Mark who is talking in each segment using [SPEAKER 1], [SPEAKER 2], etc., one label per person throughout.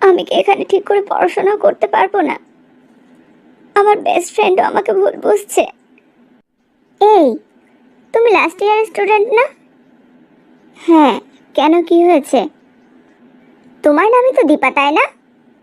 [SPEAKER 1] আমি কি এখানে ঠিক করে পড়াশোনা করতে পারবো না? আমার বেস্ট ফ্রেন্ডও আমাকে ভুল বুঝছে। এই, তুমি লাস্ট ইয়ারের স্টুডেন্ট না? হ্যাঁ, কেন, কি হয়েছে? তোমার নামই তো দীপা, তাই না?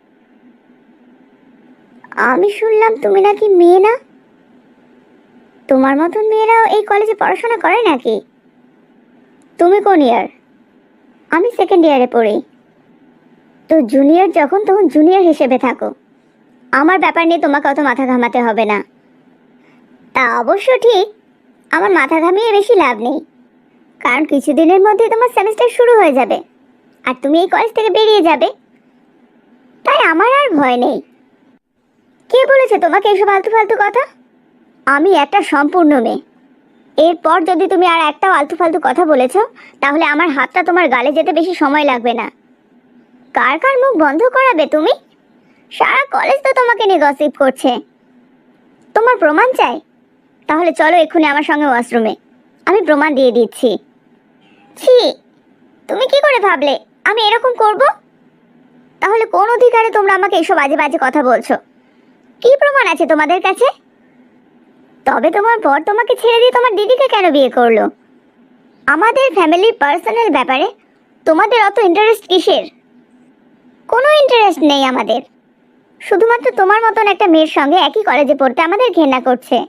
[SPEAKER 1] আমি শুনলাম তুমি নাকি মেয়ে না। তোমার মতন মেয়েরাও এই কলেজে পড়াশোনা করে নাকি? তুমি কোন ইয়ার? আমি সেকেন্ড ইয়ারে পড়ি। তো জুনিয়র যখন তখন জুনিয়র হিসেবে থাকো। আমার ব্যাপার নিয়ে তোমাকে অত মাথা ঘামাতে হবে না। তা অবশ্য ঠিক, আমার মাথা ঘামিয়ে বেশি লাভ নেই, কারণ কিছুদিনের মধ্যে তোমার সেমিস্টার শুরু হয়ে যাবে আর তুমি এই কলেজ থেকে বেরিয়ে যাবে। তাই আমার আর ভয় নেই। কে বলেছে তোমাকে এইসব আলতু ফালতু কথা? আমি একটা সম্পূর্ণ মেয়ে। এরপর যদি তুমি আর একটা আলতু ফালতু কথা বলেছ, তাহলে আমার হাতটা তোমার গালে যেতে বেশি সময় লাগবে না। কার কার মুখ বন্ধ করাবে তুমি? সারা কলেজ তো তোমাকে নিয়ে গসিপ করছে। তোমার প্রমাণ চাই? তাহলে চলো এক্ষুনি আমার সঙ্গে ওয়াশরুমে, আমি প্রমাণ দিয়ে দিচ্ছি। ছি, তুমি কি করে ভাবলে আমি এরকম করব? তাহলে কোন অধিকারে তোমরা আমাকে এসব বাজে বাজে কথা বলছো? কি প্রমাণ আছে তোমাদের কাছে? তবে তোমার বর তোমাকে ছেড়ে দিয়ে তোমার দিদিকে কেন বিয়ে করলো? আমাদের ফ্যামিলির পার্সোনাল ব্যাপারে তোমাদের অত ইন্টারেস্ট কিসের? কোনো ইন্টারেস্ট নেই আমাদের। শুধুমাত্র তোমার মতন একটা মেয়ের সঙ্গে একই কলেজে পড়তে আমাদের ঘৃণা করছে।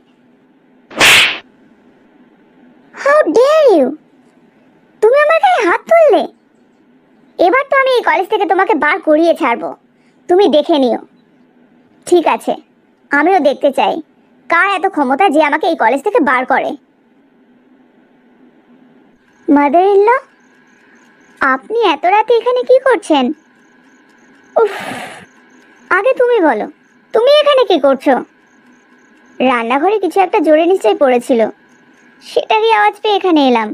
[SPEAKER 1] How dare you! তুমি আমার গায়ে হাত তুললে? এবার তো আমি এই কলেজ থেকে তোমাকে বার করিয়ে ছাড়বো, তুমি দেখে নিও। ঠিক আছে, আমিও দেখতে চাই কার এত ক্ষমতা যে আমাকে এই কলেজ থেকে বার করে। মাদার ইন ল, আপনি এত রাতে এখানে কি করছেন? উফ, আগে তুমি বলো, তুমি এখানে কি করছো? রান্নাঘরে কিছু একটা জোরে নিশ্চয়ই পড়েছিল, সেটারই আওয়াজ পেয়ে এখানে এলাম।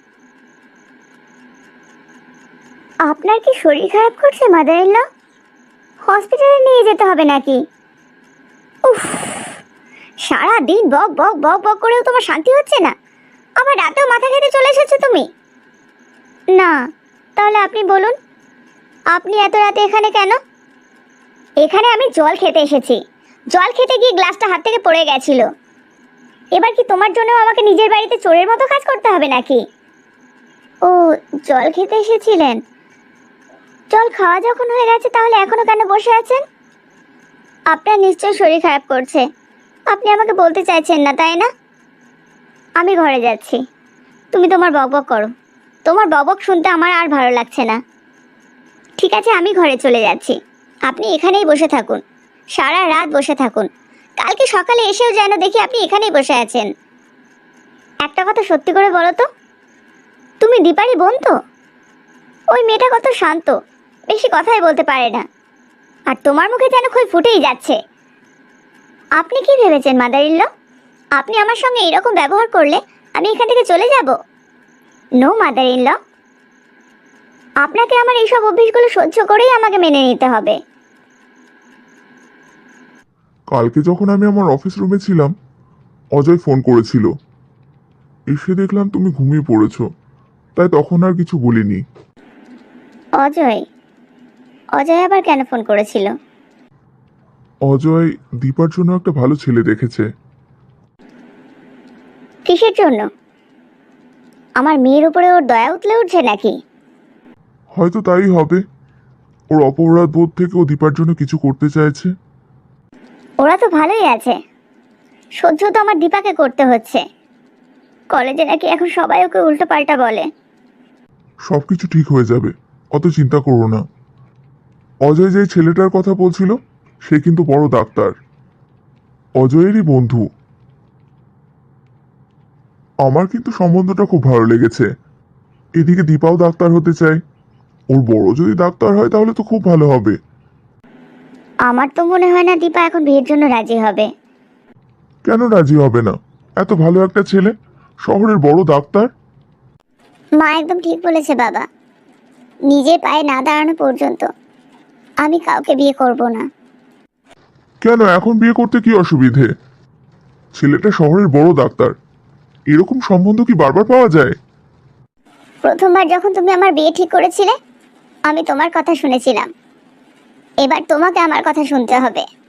[SPEAKER 1] আপনার কি শরীর খারাপ করছে মাদার ইন ল? হসপিটালে নিয়ে যেতে হবে নাকি? উফ, সারা দিন বক বক বক বক করেও তোমার শান্তি হচ্ছে না, আবার রাতেও মাথা খেতে চলে এসেছো তুমি। না, তাহলে আপনি বলুন, আপনি এত রাতে এখানে কেন? এখানে আমি জল খেতে এসেছি। জল খেতে গিয়ে গ্লাসটা হাত থেকে পড়ে গেছিল। এবার কি তোমার জন্য আমাকে নিজের বাড়িতে চোরের মতো কাজ করতে হবে নাকি? ও, জল খেতে এসেছিলেন। জল খাওয়া যখন হয়ে গেছে তাহলে এখনো কেন বসে আছেন? আপনার নিশ্চয়ই শরীর খারাপ করছে, আপনি আমাকে বলতে চাইছেন না, তাই না? আমি ঘরে যাচ্ছি, তুমি তোমার বকবক করো। তোমার বকবক শুনতে আমার আর ভালো লাগছে না। ঠিক আছে, আমি ঘরে চলে যাচ্ছি, আপনি এখানেই বসে থাকুন, সারা রাত বসে থাকুন। কালকে সকালে এসেও যেন দেখি আপনি এখানেই বসে আছেন। একটা কথা সত্যি করে বলো তো, তুমি দীপারি বোন তো? ওই মেয়েটা কত শান্ত, বেশি কথাই বলতে পারে না, আর তোমার মুখে যেন খই ফুটেই যাচ্ছে। আপনি কি ভেবেছেন মাদার ইন ল, আপনি আমার সঙ্গে এরকম ব্যবহার করলে আমি এখান থেকে চলে যাব? নো মাদার ইন ল, আপনাকে আমার এইসব অভ্যেসগুলো সহ্য করেই আমাকে মেনে নিতে হবে।
[SPEAKER 2] কালকে যখন আমি আমার অফিস রুমে ছিলাম, অজয় ফোন করেছিল। এসে দেখলাম তুমি ঘুমিয়ে পড়েছো, তাই তখন আর কিছু বলিনি।
[SPEAKER 1] অজয়? অজয় আবার কেন ফোন করেছিল?
[SPEAKER 2] অজয় দীপার জন্য একটা ভালো ছেলে দেখেছে।
[SPEAKER 1] কিসের জন্য? আমার মেয়ের উপরে ওর দয়া উতলে উঠছে নাকি?
[SPEAKER 2] হয়তো তাই হবে, ওর অপরাধ বোধ থেকে ও দীপার জন্য কিছু করতে চাইছে।
[SPEAKER 1] ওরা তো ভালোই আছে, সহ্য তো আমার দীপাকে করতে হচ্ছে। কলেজে নাকি এখন সবাই ওকে উল্টো পাল্টা বলে।
[SPEAKER 2] সবকিছু ঠিক হয়ে যাবে, অত চিন্তা করো না। অজয় যে ছেলেটার কথা বলছিল সে কিন্তু বড় ডাক্তার, অজয়েরই বন্ধু। আমার কিন্তু সম্বন্ধটা খুব ভালো লেগেছে। এদিকে দীপাও ডাক্তার হতে চায়, ওর বড় যদি ডাক্তার হয় তাহলে তো খুব ভালো হবে।
[SPEAKER 1] আমার তো মনে হয় না দীপা এখন বিয়ের জন্য রাজি হবে।
[SPEAKER 2] কেন রাজি হবে না? এত ভালো একটা ছেলে, শহরের বড় ডাক্তার।
[SPEAKER 1] মা একদম ঠিক বলেছে বাবা, নিজের পায়ে না দাঁড়ানো পর্যন্ত আমি কাউকে বিয়ে করব না।
[SPEAKER 2] কেন, এখন বিয়ে করতে কি অসুবিধে? ছেলেটা শহরের বড় ডাক্তার, এরকম সম্বন্ধ কি বারবার পাওয়া যায়?
[SPEAKER 1] প্রথমবার যখন তুমি আমার বিয়ে ঠিক করেছিলে, আমি তোমার কথা শুনেছিলাম। এবার তোমাকে আমার কথা শুনতে হবে।